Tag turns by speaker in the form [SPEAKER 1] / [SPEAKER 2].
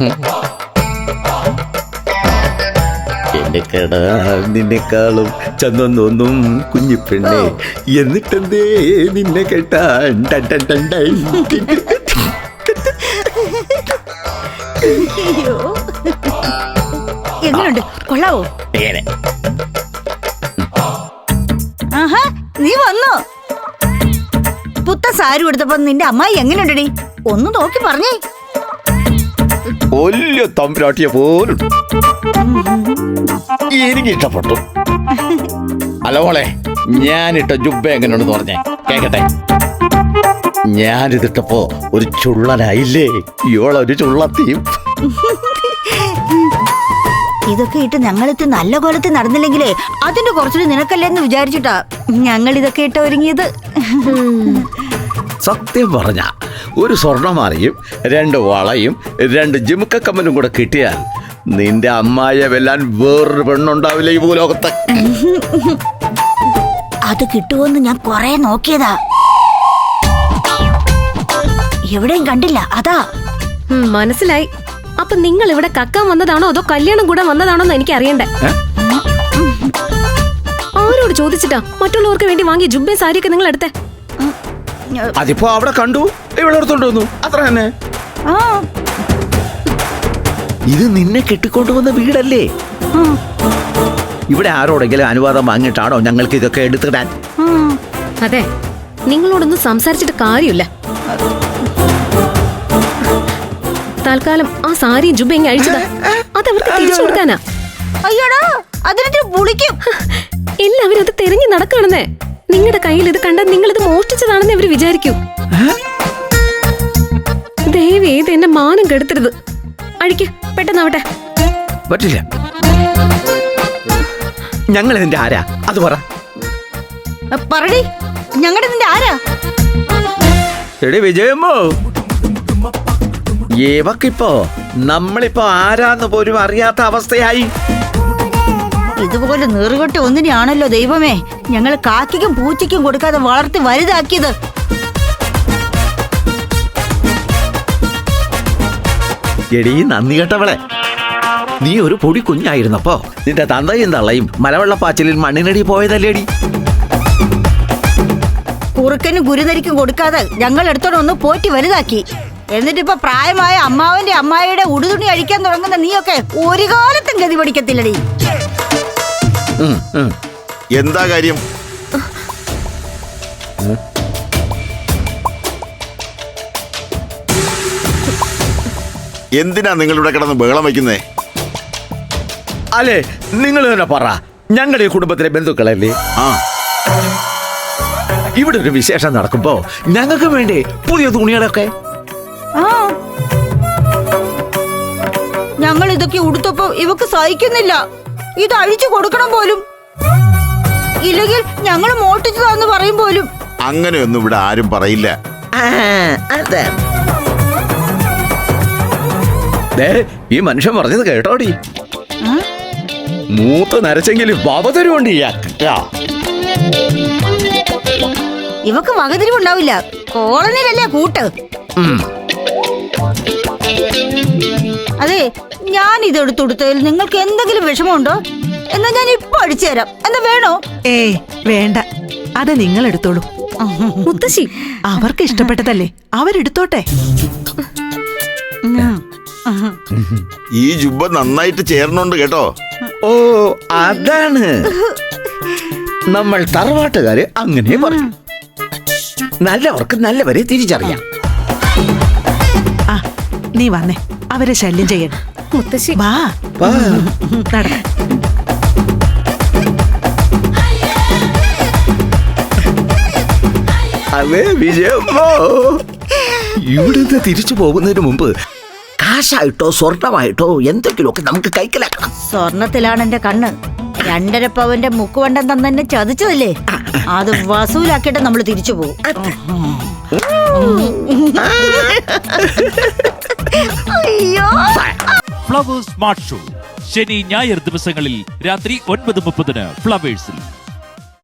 [SPEAKER 1] എന്റെ കട നിന്നെക്കാളും ചന്തം തോന്നും കുഞ്ഞിപ്പെണ്ണെ, എന്നിട്ടെന്തേ നിന്നെ കേട്ടാൻ.
[SPEAKER 2] എങ്ങനെയുണ്ട്, കൊള്ളാവോ? ആഹാ, നീ വന്നോ? പുത്ത സാരി എടുത്തപ്പോ നിന്റെ അമ്മായി എങ്ങനെയുണ്ടടി? ഒന്ന് നോക്കി പറഞ്ഞേ.
[SPEAKER 1] വലിയ തമ്പുരാട്ടിയെ പോലും എനിക്ക് ഇഷ്ടപ്പെട്ടു. അല്ല മോളെ, ഞാനിട്ട ജുബ്ബ എങ്ങനെയുണ്ടെന്ന് പറഞ്ഞേ കേക്കട്ടെ. ഞാനിതിട്ടപ്പോ ഒരു ചുള്ളനായില്ലേ? ഇവളൊരു ചുള്ളത്തിയും.
[SPEAKER 2] ഇതൊക്കെ ഇട്ട് ഞങ്ങളിത് നല്ല കോലത്തിൽ നടന്നില്ലെങ്കിലേ അതിന്റെ കുറച്ചുകൂടി നിനക്കല്ലേന്ന് വിചാരിച്ചിട്ടാ ഞങ്ങൾ ഇതൊക്കെ ഇട്ട് ഒരുങ്ങിയത്.
[SPEAKER 1] സത്യം പറഞ്ഞ ഒരു സ്വർണ്ണമാലയും 2 വളയും 2 ജിമുക്ക കമ്മലും കൂടെ കിട്ടിയാൽ നിന്റെ അമ്മായിയെ വെല്ലാൻ വേറൊരു പെണ്ണുണ്ടാവില്ല ഈ ഭൂലോകത്ത്.
[SPEAKER 2] അത് കിട്ടുമെന്ന് ഞാൻ കൊറേ നോക്കിയതാ, എവിടെയും കണ്ടില്ല. അതാ
[SPEAKER 3] മനസ്സിലായി. അപ്പൊ നിങ്ങൾ ഇവിടെ കക്കാൻ വന്നതാണോ അതോ കല്യാണം കൂടെ വന്നതാണോന്ന് എനിക്ക് അറിയണ്ടേ. ആരോട് ചോദിച്ചിട്ടാ മറ്റുള്ളവർക്ക് വേണ്ടി വാങ്ങിയ ജുബ്ബയും സാരിയൊക്കെ നിങ്ങൾ എടുത്തേ?
[SPEAKER 1] അതിപ്പോ അവിടെ കണ്ടു, ഇവിടെ എടുത്തോണ്ട് വന്നു, അത്ര തന്നെ. ഇത് നിന്നെ കെട്ടിക്കൊണ്ടുവന്ന വീടല്ലേ? ഇവിടെ ആരോടെങ്കിലും അനുവാദം വാങ്ങിയിട്ടാണോ ഞങ്ങൾക്ക് ഇതൊക്കെ എടുത്തിടാൻ?
[SPEAKER 3] അതെ, നിങ്ങളോടൊന്നും സംസാരിച്ചിട്ട് കാര്യമില്ല. തൽക്കാലം ആ സാരിയും ജുബ്ബയും അഴിച്ചതാ, അതവർക്ക് തിരിച്ചു കൊടുക്കാനാ.
[SPEAKER 2] അയ്യോടാ, അതിനെ പുളിക്കും.
[SPEAKER 3] എല്ലാവരും അത് തെരഞ്ഞു നടക്കണെന്നേ. നിങ്ങളുടെ കയ്യിൽ ഇത് കണ്ടാൽ നിങ്ങൾ ഇത് മോഷ്ടിച്ചതാണെന്ന് അവര് വിചാരിക്കൂ. ദയവ് ചെയ്ത് എന്നെ മാനം കെടുത്തരുത്. അഴിക്ക്, പെട്ടെന്നാവട്ടെ.
[SPEAKER 1] പറ്റില്ല. ഞങ്ങൾ ഇതിന്റെ ആരാ അത് പറ.
[SPEAKER 2] പറടി, ഞങ്ങളുടെ നിന്റെ ആരാ?
[SPEAKER 1] എടി വിജയമ്മോ, ഏവക്കിപ്പോ നമ്മളിപ്പോ ആരാന്ന് പോലും അറിയാത്ത അവസ്ഥയായി.
[SPEAKER 2] ഇതുപോലെ നീറുകെട്ട ഒന്നിനെയാണല്ലോ ദൈവമേ ഞങ്ങൾ കാക്കിക്കും പൂച്ചയ്ക്കും കൊടുക്കാതെ വളർത്തി വലുതാക്കിയത്.
[SPEAKER 1] എടീ നന്ദി കേട്ടവളെ, നീ ഒരു പൊടി കുഞ്ഞായിരുന്നപ്പോ നിന്റെ തന്തയും തള്ളയും മലവെള്ളപ്പാച്ചിലിൽ മണ്ണിനടി പോയതല്ലേടി?
[SPEAKER 2] കുറുക്കനും ഗുരുതരിക്കും കൊടുക്കാതെ ഞങ്ങൾ എടുത്തോണ്ടൊന്ന് പോറ്റി വലുതാക്കി. എന്നിട്ടിപ്പോ പ്രായമായ അമ്മാവന്റെ അമ്മായിയുടെ ഉടുതുണി അഴിക്കാൻ തുടങ്ങുന്ന നീയൊക്കെ ഒരു കാലത്തും ഗതി പഠിക്കത്തില്ലടി.
[SPEAKER 4] എന്താ കാര്യം? എന്തിനാ നിങ്ങളിവിടെ കിടന്ന് ബഹളം വയ്ക്കുന്നേ?
[SPEAKER 1] അല്ലേ, നിങ്ങൾ തന്നെ പറ. ഞങ്ങളുടെ ഈ കുടുംബത്തിലെ ബന്ധുക്കളല്ലേ? ഇവിടെ ഒരു വിശേഷം നടക്കുമ്പോ ഞങ്ങൾക്ക് വേണ്ടി പുതിയ തുണികളൊക്കെ.
[SPEAKER 2] ഞങ്ങൾ ഇതൊക്കെ ഉടുത്തപ്പോ ഇവക്ക് സഹിക്കുന്നില്ല. ഇത് അഴിച്ചു കൊടുക്കണം പോലും. ഇല്ലെങ്കിൽ ഞങ്ങൾ മോട്ടിച്ചതാന്ന് പറയും പോലും.
[SPEAKER 4] അങ്ങനെയൊന്നും ഇവിടെ ആരും പറയില്ല.
[SPEAKER 1] ഈ മനുഷ്യൻ പറഞ്ഞത് കേട്ടോടി? മൂത്ത് നരച്ചെങ്കിലും വകതിരിവുണ്ട്.
[SPEAKER 2] ഇവക്ക് വകതിരിവുണ്ടാവില്ല. കോളനിയിലല്ലേ കൂട്ട്. അതെ, ഞാൻ ഇത് എടുത്തുകൊടുത്തതിൽ നിങ്ങൾക്ക് എന്തെങ്കിലും വിഷമമുണ്ടോ? എന്നാ ഞാൻ ഇപ്പൊ അടിച്ചു തരാം. എന്താ വേണോ?
[SPEAKER 5] ഏയ് വേണ്ട, അത് നിങ്ങൾ എടുത്തോളൂ.
[SPEAKER 3] മുത്തശ്ശി,
[SPEAKER 5] അവർക്ക് ഇഷ്ടപ്പെട്ടതല്ലേ, അവരെടുത്തോട്ടെ.
[SPEAKER 4] ഈ ജുബ്ബ നന്നായിട്ട് ചേർന്നുണ്ട് കേട്ടോ.
[SPEAKER 1] ഓ, അതാണ് നമ്മൾ തറവാട്ടുകാര് അങ്ങനെ പറയും. നല്ലവർക്ക് നല്ലവരെ തിരിച്ചറിയാം.
[SPEAKER 5] ആ, നീ വന്നേ, അവരെ ശല്യം ചെയ്യണം.
[SPEAKER 3] മുത്തശ്ശി
[SPEAKER 5] വാ, നടക്ക.
[SPEAKER 1] അതെ വിജയമ്മോ, ഇവിടുന്ന് തിരിച്ചു പോകുന്നതിന് മുമ്പ് കാശായിട്ടോ സ്വർണമായിട്ടോ എന്തെങ്കിലുമൊക്കെ നമുക്ക് കൈക്കലാക്കണം.
[SPEAKER 2] സ്വർണത്തിലാണ് എന്റെ കണ്ണ്. 2.5 പവന്റെ മുക്കുവണ്ടം തന്നെ ചതിച്ചതല്ലേ, അത് വസൂലാക്കിയിട്ട് നമ്മൾ തിരിച്ചു പോകും.
[SPEAKER 6] ഫ്ലവേഴ്സ് സ്മാർട്ട് ഷോ ശനി ഞായർ ദിവസങ്ങളിൽ രാത്രി 9:30 ഫ്ലവേഴ്സിൽ.